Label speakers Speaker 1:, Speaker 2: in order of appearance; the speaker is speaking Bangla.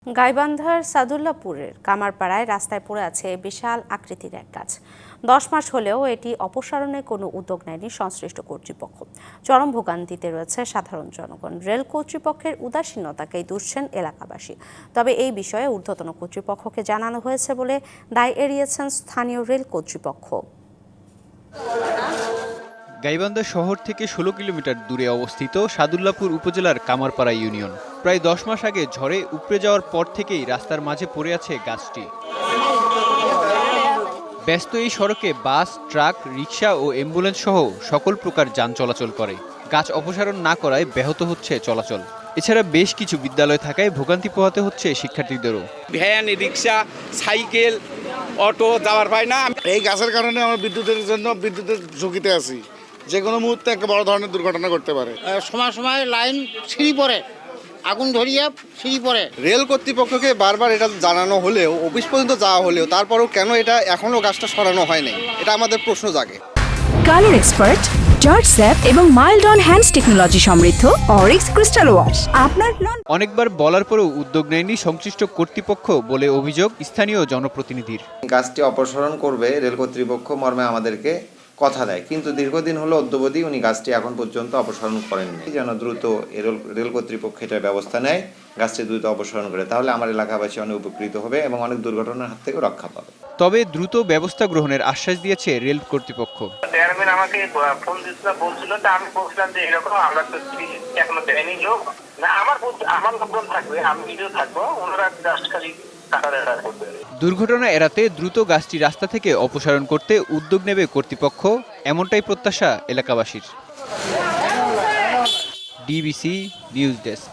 Speaker 1: গাইবান্ধার সাদুল্লাপুরের কামারপাড়ায় রাস্তায় পড়ে আছে বিশাল আকৃতির এক গাছ। 10 মাস হলেও এটি অপসারণে কোনো উদ্যোগ নেয়নি সংশ্লিষ্ট কর্তৃপক্ষ। চরম ভোগান্তিতে রয়েছে সাধারণ জনগণ। রেল কর্তৃপক্ষের উদাসীনতাকেই দুষছেন এলাকাবাসী। তবে এই বিষয়ে ঊর্ধ্বতন কর্তৃপক্ষকে জানানো হয়েছে বলে দায় এড়িয়েছেন স্থানীয় রেল কর্তৃপক্ষ।
Speaker 2: গাইবান্ধা শহর থেকে 16 কিলোমিটার দূরে অবস্থিত সাদুল্লাপুর উপজেলার কামারপাড়া ইউনিয়ন। প্রায় 10 মাস আগে ঝড়ে উপড়ে যাওয়ার পর থেকেই রাস্তার মাঝে পড়ে আছে গাছটি। ব্যস্ত এই সড়কে বাস, ট্রাক, রিকশা ও অ্যাম্বুলেন্স সহ সকল প্রকার যান চলাচল করে। গাছ অপসারণ না করায় ব্যাহত হচ্ছে চলাচল। এছাড়া বেশ কিছু বিদ্যালয় থাকায় ভোগান্তি পোহাতে হচ্ছে শিক্ষার্থীদেরও।
Speaker 3: ভ্যান, রিকশা, সাইকেল, অটো যাওয়ার পায় না।
Speaker 4: এই গাছের কারণে আমরা বিদ্যুতের ঝুঁকিতে আছি। যে কোনো মুহূর্তে একটা বড় ধরনের দুর্ঘটনা করতে পারে।
Speaker 5: সময় সময় লাইন ছিঁড়ি পড়ে, আগুন ধরিয়ে ছিঁড়ি পড়ে।
Speaker 6: রেল কর্তৃপক্ষকে বারবার এটা জানানো হলেও, অফিস পর্যন্ত যাওয়া হলেও, তারপরেও কেন এটা এখনো গাছটা সরানো হয়নি, এটা আমাদের প্রশ্ন জাগে।
Speaker 7: কালার এক্সপার্ট, জর্জ স্যাপ এবং মাইল্ড অন হ্যান্ডস টেকনোলজি সমৃদ্ধ অরিক্স ক্রিস্টাল ওয়াশ আপনার
Speaker 2: অনেকবার বলার পরেও উদ্যোগ নেয়নি সংশ্লিষ্ট কর্তৃপক্ষ বলে অভিযোগ স্থানীয় জনপ্রতিনিধির।
Speaker 8: গাছটি অপসারণ করবে রেল কর্তৃপক্ষ মর্মে আমাদেরকে কথা দেয়, কিন্তু দীর্ঘদিন হলো অদ্যাবধি উনি গাছটি এখন পর্যন্ত অপসারণ করেননি। যেন দ্রুত রেল কর্তৃপক্ষ এটার ব্যবস্থা নেয়, গাছটি দ্রুত অপসারণ করে, তাহলে আমার এলাকাবাসী অনেক উপকৃত হবে এবং অনেক দুর্ঘটনার হাত থেকে রক্ষা পাবে।
Speaker 2: তবে দ্রুত ব্যবস্থা গ্রহণের আশ্বাস দিয়েছে রেল কর্তৃপক্ষ।
Speaker 9: চেয়ারম্যান আমাকে ফোন দিয়েছিল, বলছিল, তা আমি বলছিলাম যে এরকম আমরা তো এখনো দেয়নি লোক না, আমার লোকজন থাকবে, আমি নিজেও থাকবো, ওনারা জাস্ট খালি
Speaker 2: দুর্ঘটনা এড়াতে দ্রুত গাছটি রাস্তা থেকে অপসারণ করতে উদ্যোগ নেবে কর্তৃপক্ষ, এমনটাই প্রত্যাশা এলাকাবাসীর। DBC news desk.